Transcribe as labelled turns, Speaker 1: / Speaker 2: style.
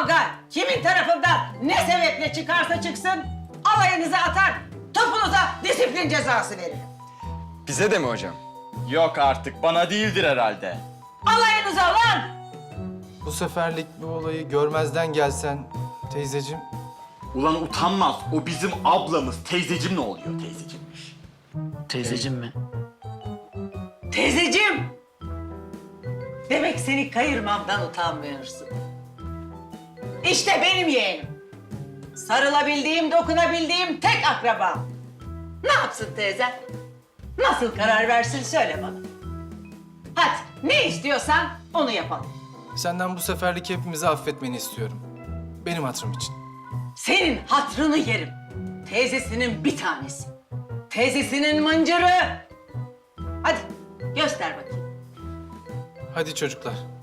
Speaker 1: kavga kimin tarafından ne sebeple çıkarsa çıksın alayınıza atar, topunuza disiplin cezası veririm.
Speaker 2: Bize de mi hocam?
Speaker 3: Yok artık, bana değildir herhalde.
Speaker 1: Alayınıza lan!
Speaker 4: Bu seferlik bu olayı görmezden gelsen teyzeciğim.
Speaker 3: Ulan utanmaz, o bizim ablamız. Teyzecim ne oluyor teyzecimmiş?
Speaker 5: Teyzeciğim mi?
Speaker 1: Teyzeciğim! Demek seni kayırmamdan utanmıyorsun. İşte benim yeğenim. Sarılabildiğim, dokunabildiğim tek akrabam. Ne yapsın teyze? Nasıl karar versin söyle bana. Hadi ne istiyorsan onu yapalım.
Speaker 4: Senden bu seferlik hepimizi affetmeni istiyorum. Benim hatırım için.
Speaker 1: Senin hatrını yerim. Teyzesinin bir tanesi. Teyzesinin mıncırı. Hadi göster bakayım.
Speaker 4: Hadi çocuklar.